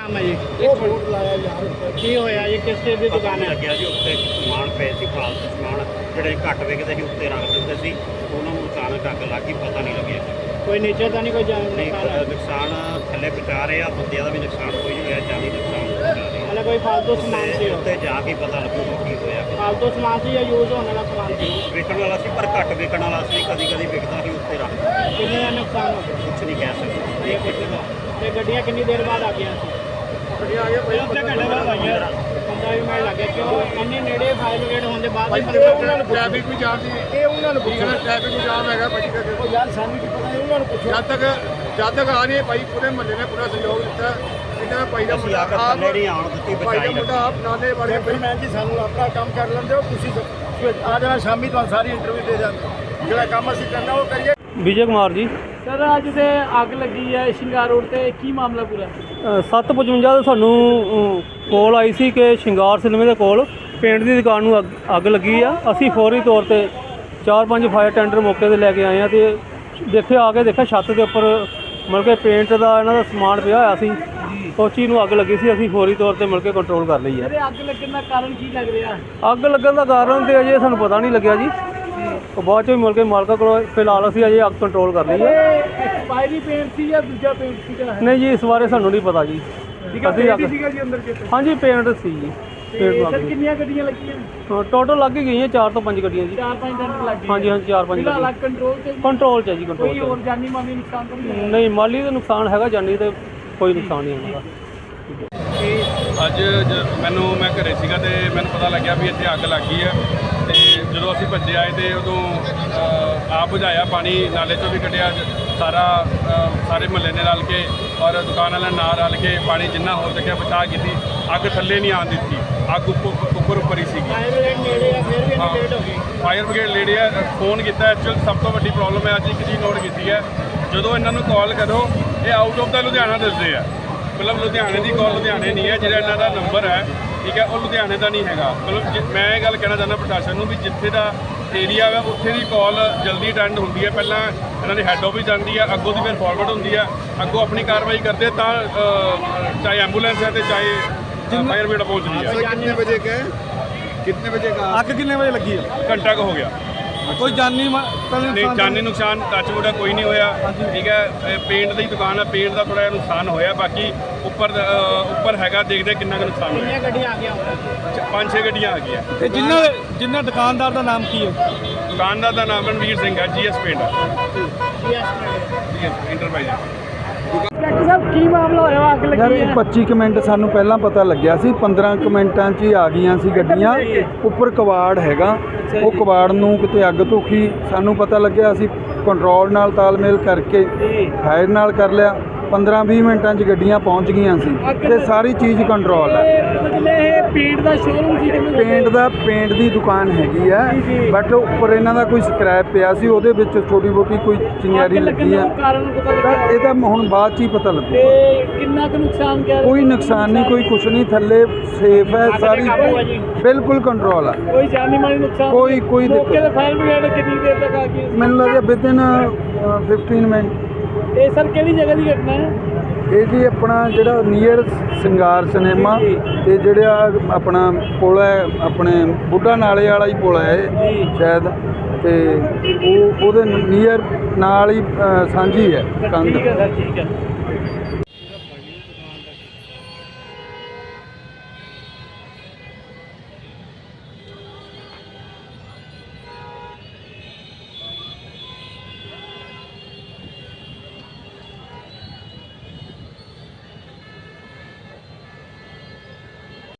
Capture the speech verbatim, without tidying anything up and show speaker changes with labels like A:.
A: ਨਾਮ ਹੈ ਜੀ?
B: ਉਹ ਬੋਰਡ ਲਾਇਆ ਯਾਰ
A: ਕੀ ਹੋਇਆ ਜੀ? ਕਿਸ ਚੀਜ਼ ਦੀ ਦੁਕਾਨ ਹੈ?
C: ਲੱਗਿਆ ਜੀ ਉੱਤੇ ਸਮਾਨ ਪਏ ਸੀ, ਫਾਲਤੂ ਸਮਾਨ ਜਿਹੜੇ ਘੱਟ ਵਿਕਦੇ ਸੀ ਉੱਤੇ ਰੱਖ ਦਿੰਦੇ ਸੀ, ਉਹਨਾਂ ਨੂੰ ਅਚਾਨਕ ਅੱਗ ਲੱਗ ਗਈ, ਪਤਾ ਨਹੀਂ ਲੱਗਿਆ।
A: ਕੋਈ ਨੀਚੇ ਤਾਂ ਨਹੀਂ ਕੋਈ ਜਾਨ
C: ਨਹੀਂ
A: ਨੁਕਸਾਨ?
C: ਨੁਕਸਾਨ ਥੱਲੇ ਪਹੁੰਚਾ ਰਹੇ ਆ, ਬੰਦਿਆਂ ਦਾ ਵੀ ਨੁਕਸਾਨ ਕੋਈ ਨਹੀਂ ਹੋਇਆ, ਜਾਨੀ ਨੁਕਸਾਨ ਪਹੁੰਚਾ ਰਹੇ ਆ।
A: ਹਲੇ ਕੋਈ ਫਾਲਤੂ ਸਮਾਨ ਸੀ?
C: ਉੱਤੇ ਜਾ ਕੇ ਪਤਾ ਲੱਗੂਗਾ ਕੀ ਹੋਇਆ।
A: ਫਾਲਤੂ ਸਮਾਨ ਸੀ ਜਾਂ ਯੂਜ਼ ਹੋਣ ਵਾਲਾ ਸਮਾਨ ਸੀ?
C: ਵਿਕਣ ਵਾਲਾ ਸੀ, ਪਰ ਘੱਟ ਵਿਕਣ ਵਾਲਾ ਸੀ, ਕਦੀ ਕਦੀ ਵਿਕਦਾ ਸੀ ਉੱਤੇ ਰੱਖ ਦਿੰਦੇ।
A: ਕਿੰਨੇ ਦਾ ਨੁਕਸਾਨ ਹੋ ਗਿਆ?
C: ਕੁਛ ਨਹੀਂ ਕਹਿ ਸਕਦੇ।
A: ਇਹ ਕੁਛ ਦਾ ਤੇ ਗੱਡੀਆਂ ਕਿੰਨੀ ਦੇਰ ਬਾਅਦ ਆ ਗਈਆਂ ਸੀ?
B: ਗੱਡੀਆਂ ਆ ਗਈਆਂ ਭਾਈ
A: ਅੱਧੇ ਘੰਟੇ ਬਾਅਦ ਆਈਆਂ। ਪੰਦਰਾਂ ਵੀਹ ਮਿੰਟ ਲੱਗੇ ਕਿਉਂ? ਇੰਨੀ ਨੇੜੇ ਫਾਇਰ ਬ੍ਰਿਗੇਡ ਹੋਣ ਦੇ ਬਾਅਦ
B: ਭਾਈ
A: ਵੀ
B: ਇਹ ਉਹਨਾਂ ਨੂੰ ਟ੍ਰੈਫਿਕ ਵੀ ਜਾਮ ਸੀ, ਇਹ ਉਹਨਾਂ ਨੂੰ ਪੁੱਛਣਾ ਟ੍ਰੈਫਿਕ ਵੀ ਜਾਮ ਹੈਗਾ ਭਾਈ। ਉਹ ਯਾਰ ਸਾਨੂੰ ਕੀ ਪਤਾ, ਇਹ ਉਹਨਾਂ ਨੂੰ ਪੁੱਛੋ। ਜਦ ਤੱਕ ਜਦ ਤੱਕ ਆ ਨਹੀਂ ਭਾਈ, ਪੂਰੇ ਮਹੱਲੇ ਨੇ ਪੂਰਾ ਸਹਿਯੋਗ ਦਿੱਤਾ। ਇਹਨਾਂ ਭਾਈ ਦਾ ਮੁੰਡਾ ਆਪ
C: ਥੱਲੇ ਨਹੀਂ ਆਉਣ ਦਿੱਤੀ,
B: ਭਾਈ ਦਾ
C: ਬਚਾਈ
B: ਮੁੰਡਾ ਆਪ ਨਾਲੇ ਵਾਲੇ ਭਾਈ ਮੈਂ ਜੀ ਸਾਨੂੰ ਆਪਣਾ ਕੰਮ ਕਰ ਲੈਂਦੇ ਹੋ ਤੁਸੀਂ, ਆ ਜਾਣਾ ਸ਼ਾਮੀ ਤੁਹਾਨੂੰ ਸਾਰੀ ਇੰਟਰਵਿਊ ਦੇ ਦਾਂਗੇ। ਜਿਹੜਾ ਕੰਮ ਅਸੀਂ ਕਰਨਾ ਉਹ ਕਰੀਏ।
D: ਵਿਜੇ ਕੁਮਾਰ ਜੀ।
A: ਸਰ ਅੱਜ ਤੇ ਅੱਗ ਲੱਗੀ ਹੈ ਸ਼ਿੰਗਾਰ ਰੋਡ ਤੇ, ਕੀ ਮਾਮਲਾ ਪੂਰਾ?
D: ਸੱਤ ਪਚਵੰਜਾ ਤੋਂ ਸਾਨੂੰ ਕੋਲ ਆਈ ਸੀ ਕਿ ਸ਼ਿੰਗਾਰ ਸਿਨੇਮੇ ਦੇ ਕੋਲ ਪੇਂਟ ਦੀ ਦੁਕਾਨ ਨੂੰ ਅੱਗ ਅੱਗ ਲੱਗੀ ਆ। ਅਸੀਂ ਫੌਰੀ ਤੌਰ ਤੇ ਚਾਰ ਪੰਜ ਫਾਇਰ ਟੈਂਡਰ ਮੌਕੇ 'ਤੇ ਲੈ ਕੇ ਆਏ ਹਾਂ ਅਤੇ ਦੇਖਿਆ ਆ ਕੇ ਦੇਖਿਆ ਛੱਤ ਦੇ ਉੱਪਰ ਮਤਲਬ ਕਿ ਪੇਂਟ ਦਾ ਇਹਨਾਂ ਦਾ ਸਮਾਨ ਪਿਆ ਹੋਇਆ ਸੀ। ਉਸ ਚੀਜ਼ ਨੂੰ ਅੱਗ ਲੱਗੀ ਸੀ। ਅਸੀਂ ਫੌਰੀ ਤੌਰ ਤੇ ਮਿਲ ਕੇ ਕੰਟਰੋਲ ਕਰ ਲਈ ਹੈ।
A: ਅੱਗ ਲੱਗਣ ਦਾ ਕਾਰਨ ਕੀ ਲੱਗ ਰਿਹਾ?
D: ਅੱਗ ਲੱਗਣ ਦਾ ਕਾਰਨ ਤੇ ਅਜੇ ਸਾਨੂੰ ਪਤਾ ਨਹੀਂ ਲੱਗਿਆ ਜੀ। ਉਹ ਬਾਅਦ 'ਚੋਂ ਮਿਲ ਕੇ ਮਾਲਕਾਂ ਕੋਲ ਫਿਲਹਾਲ ਅਸੀਂ ਅਜੇ ਅੱਗ ਕੰਟਰੋਲ ਕਰ ਲਈ ਹੈ।
A: ਐਕਸਪਾਇਰੀ ਪੇਂਟ ਸੀ ਜਾਂ ਦੂਜਾ ਪੇਂਟ ਸੀਗਾ?
D: ਨਹੀਂ ਜੀ, ਇਸ ਬਾਰੇ ਸਾਨੂੰ ਨਹੀਂ ਪਤਾ ਜੀ। ਅਸੀਂ ਅੱਗ
A: ਸੀਗਾ ਜੀ ਅੰਦਰ ਕਿਤੇ?
D: ਹਾਂਜੀ ਪੇਂਟ ਸੀ ਜੀ। ਪੇਂਟ
A: ਸਰ ਕਿੰਨੀਆਂ ਗੱਡੀਆਂ ਲੱਗੀਆਂ?
D: ਟੋਟਲ ਲੱਗ ਹੀ ਗਈਆਂ ਚਾਰ ਤੋਂ ਪੰਜ ਗੱਡੀਆਂ ਜੀ।
A: ਚਾਰ ਪੰਜ ਟੈਂਡਰ ਲੱਗ ਗਏ?
D: ਹਾਂਜੀ ਹਾਂਜੀ ਚਾਰ ਪੰਜ
A: ਫਿਲਹਾਲ
D: ਗੱਡੀਆਂ
A: ਅੱਗ ਕੰਟਰੋਲ ਤੇ?
D: ਕੰਟਰੋਲ 'ਚ ਹੈ ਜੀ, ਕੰਟਰੋਲ
A: ਕੋਈ
D: 'ਚ।
A: ਹੋਰ ਜਾਨੀ ਮਾਲੀ ਨੁਕਸਾਨ ਤਾਂ ਨਹੀਂ ਹੋਇਆ?
D: ਨਹੀਂ, ਮਾਲੀ ਦਾ ਨੁਕਸਾਨ ਹੈਗਾ, ਜਾਨੀ ਤੇ ਕੋਈ ਨੁਕਸਾਨ ਨਹੀਂ ਹੋਣਾ।
E: ਅੱਜ ਜ- ਮੈਨੂੰ ਮੈਂ ਘਰੇ ਸੀਗਾ ਤੇ ਮੈਨੂੰ ਪਤਾ ਲੱਗਿਆ ਵੀ ਇੱਥੇ ਅੱਗ ਲੱਗ ਗਈ ਹੈ। ਤੇ ਜਦੋਂ ਅਸੀਂ ਭੱਜੇ ਆਏ ਤੇ ਉਦੋਂ ਅ, ਆਪ ਬੁਝਾਇਆ, ਪਾਣੀ ਨਾਲੇ 'ਚੋਂ ਵੀ ਕੱਢਿਆ, ਸਾਰਾ ਅ, ਸਾਰੇ ਮਹੱਲੇ ਨੇ ਰਲ ਕੇ ਔਰ ਦੁਕਾਨ ਵਾਲਿਆਂ ਨਾਲ ਰਲ ਕੇ ਪਾਣੀ ਜਿੰਨਾ ਹੋ ਸਕਿਆ ਬਚਾਅ ਕੀਤੀ। ਅੱਗ ਥੱਲੇ ਨਹੀਂ ਆਉਣ ਦਿੱਤੀ, ਅੱਗ ਉੱਪਰ ਉੱਪਰ ਉੱਪਰ ਹੀ ਸੀਗੀ।
A: ਫਾਇਰ ਬ੍ਰਿਗੇਡ ਨੇੜੇ ਆ ਫਿਰ ਵੀ
E: ਹਾਂ।
A: ਇੰਨੀ ਲੇਟ ਹੋ ਗਈ?
E: ਫਾਇਰ ਬ੍ਰਿਗੇਡ ਲੇਡੀ ਹੈ, ਫੋਨ ਕੀਤਾ। ਐਕਚੁਅਲ ਸਭ ਤੋਂ ਵੱਡੀ ਪ੍ਰੋਬਲਮ ਹੈ, ਅੱਜ ਇੱਕ ਚੀਜ਼ ਨੋਟ ਕੀਤੀ ਹੈ, ਜਦੋਂ ਇਹਨਾਂ ਨੂੰ ਕਾਲ ਕਰੋ ਇਹ ਆਊਟ ਆਫ ਦਾ ਲੁਧਿਆਣਾ ਦੱਸਦੇ ਆ। ਮਤਲਬ ਲੁਧਿਆਣੇ ਦੀ ਕਾਲ ਲੁਧਿਆਣੇ ਨਹੀਂ ਹੈ, ਜਿਹੜਾ ਇਹਨਾਂ ਦਾ ਨੰਬਰ ਹੈ ਠੀਕ ਹੈ ਉਹ ਲੁਧਿਆਣੇ ਦਾ ਨਹੀਂ ਹੈਗਾ। ਮਤਲਬ ਜੇ- ਮੈਂ ਇਹ ਗੱਲ ਕਹਿਣਾ ਚਾਹੁੰਦਾ ਪ੍ਰਸ਼ਾਸਨ ਨੂੰ ਵੀ ਜਿੱਥੇ ਦਾ ਏਰੀਆ ਵਾ ਉੱਥੇ ਦੀ ਕਾਲ ਜਲਦੀ ਅਟੈਂਡ ਹੁੰਦੀ ਹੈ। ਪਹਿਲਾਂ ਇਹਨਾਂ ਦੀ ਹੈੱਡ ਆਫਿਸ ਜਾਂਦੀ ਹੈ, ਅੱਗੋਂ ਦੀ ਫਿਰ ਫਾਰਵਰਡ ਹੁੰਦੀ ਹੈ, ਅੱਗੋਂ ਆਪਣੀ ਕਾਰਵਾਈ ਕਰਦੇ ਤਾਂ ਅ, ਚਾਹੇ ਐਂਬੂਲੈਂਸ ਹੈ ਤੇ ਚਾਹੇ ਫਾਇਰ ਬ੍ਰਿਗੇਡ ਪਹੁੰਚਦੀ ਹੈ।
B: कितने बजे गए, कितने बजे का
D: ਅੱਗ ਕਿੰਨੇ ਵਜੇ ਲੱਗੀ ਹੈ?
E: ਘੰਟਾ ਕੁ ਹੋ ਗਿਆ।
D: ਕੋਈ ਜਾਨੀ
E: ਨਹੀਂ, ਜਾਨੀ ਨੁਕਸਾਨ ਟੱਚ ਵੁੱਡ ਕੋਈ ਨਹੀਂ ਹੋਇਆ ਠੀਕ ਹੈ। ਇਹ ਪੇਂਟ ਦੀ ਦੁਕਾਨ ਹੈ, ਪੇਂਟ ਦਾ ਥੋੜਾ ਜਿਹਾ ਨੁਕਸਾਨ ਹੋਇਆ, ਬਾਕੀ ਉੱਪਰ ਅ, ਉੱਪਰ ਹੈਗਾ, ਦੇਖਦੇ ਕਿੰਨਾ ਕੁ ਨੁਕਸਾਨ ਹੋਇਆ।
A: ਕਿੰਨੀਆਂ ਗੱਡੀਆਂ ਆ ਗਈਆਂ ਹੋਣਗੀਆਂ?
E: ਚ- ਪੰਜ ਛੇ ਗੱਡੀਆਂ ਆ ਗਈਆਂ।
D: ਤੇ ਜਿੰਨਾ ਜਿੰਨਾ ਦੁਕਾਨਦਾਰ ਦਾ ਨਾਮ ਕੀ ਹੈ?
E: ਦੁਕਾਨਦਾਰ ਦਾ ਨਾਮ ਰਣਵੀਰ ਸਿੰਘ ਹੈ, GS paint
A: yes
E: enterprise.
A: Doctor ਸਾਹਿਬ ਕੀ ਮਾਮਲਾ ਹੋਇਆ? ਅੱਗ
F: ਯਾਰ
A: ਲੱਗੀ
F: ਇਹ
A: ਹੈ?
F: ਪੱਚੀ ਕੁ ਮਿੰਟ ਸਾਨੂੰ ਪਹਿਲਾਂ ਪਤਾ ਲੱਗਿਆ ਸੀ, ਪੰਦਰਾਂ ਕੁ ਮਿੰਟਾਂ 'ਚ ਹੀ ਆ ਗਈਆਂ ਸੀ ਗੱਡੀਆਂ। ਉੱਪਰ ਕਵਾੜ ਹੈਗਾ, ਉਹ ਕਵਾੜ ਨੂੰ ਕਿਤੇ ਅੱਗ ਧੁਖੀ, ਸਾਨੂੰ ਪਤਾ ਲੱਗਿਆ, ਅਸੀਂ ਕੰਟਰੋਲ ਨਾਲ ਤਾਲਮੇਲ ਕਰਕੇ ਫਾਇਰ ਨਾਲ ਕਰ ਲਿਆ। ਪੰਦਰਾਂ ਵੀਹ ਮਿੰਟਾਂ 'ਚ ਗੱਡੀਆਂ ਪਹੁੰਚ ਗਈਆਂ ਸੀ ਤੇ ਸਾਰੀ ਚੀਜ਼ ਕੰਟਰੋਲ ਹੈ।
A: ਮਤਲਬ ਇਹ ਪੇਂਟ ਦਾ ਸ਼ੋਰੂਮ ਸੀ? ਕਿਵੇਂ?
F: ਪੇਂਟ ਦਾ ਪੇਂਟ ਦੀ ਦੁਕਾਨ ਹੈਗੀ ਆ, ਬਟ ਉੱਪਰ ਇਹਨਾਂ ਦਾ ਕੋਈ ਸਕ੍ਰੈਪ ਪਿਆ ਸੀ, ਉਹਦੇ ਵਿੱਚ ਛੋਟੀ ਮੋਟੀ ਕੋਈ ਚਿੰਗਾਰੀ ਲੱਗੀ ਆ।
A: ਕਾਰਨ ਪਤਾ
F: ਤਾਂ
A: ਲੱਗਾ?
F: ਇਹ ਤਾਂ ਹੁਣ ਬਾਅਦ 'ਚ ਹੀ ਪਤਾ ਲੱਗੂ।
A: ਤੇ ਕਿੰਨਾ ਕੁ ਨੁਕਸਾਨ ਗਿਆ?
F: ਕੋਈ ਨੁਕਸਾਨ ਨਹੀਂ, ਕੋਈ ਕੁਛ ਨਹੀਂ, ਥੱਲੇ ਸੇਫ ਹੈ ਸਾਰੀ,
A: ਕਾਬੂ ਹੈ ਜੀ?
F: ਬਿਲਕੁਲ ਕੰਟਰੋਲ ਹੈ।
A: ਕੋਈ ਜਾਨੀ ਮਾਲੀ ਨੁਕਸਾਨ?
F: ਕੋਈ- ਕੋਈ ਦਿੱਕਤ
A: ਮੌਕੇ ਤੇ ਫਾਇਰ ਬ੍ਰਿਗੇਡ ਕਿੰਨੀ ਦੇਰ ਤੱਕ ਆ ਗਈ?
F: ਮੈਨੂੰ ਲੱਗਦਾ ਵਿਦਿਨ ਫਿਫਟੀਨ ਮਿੰਟ।
A: ਇਹ ਸਰ ਕਿਹੜੀ ਜਗ੍ਹਾ ਦੀ ਘਟਨਾ ਹੈ?
F: ਇਹ ਜੀ ਆਪਣਾ ਜਿਹੜਾ ਨੀਅਰ ਸਿੰਗਾਰ ਸਿਨੇਮਾ ਤੇ ਜਿਹੜਾ ਆਪਣਾ ਪੁਲ ਹੈ, ਆਪਣੇ ਬੁੱਢਾ ਨਾਲੇ ਵਾਲਾ ਹੀ ਪੁਲ ਹੈ ਇਹ ਸ਼ਾਇਦ, ਤੇ ਉਹ ਉਹਦੇ ਨੀਅਰ ਨਾਲ ਹੀ ਅ, ਸਾਂਝੀ ਹੈ ਕੰਧ।
A: ਠੀਕ ਹੈ ਸਰ, ਠੀਕ ਹੈ।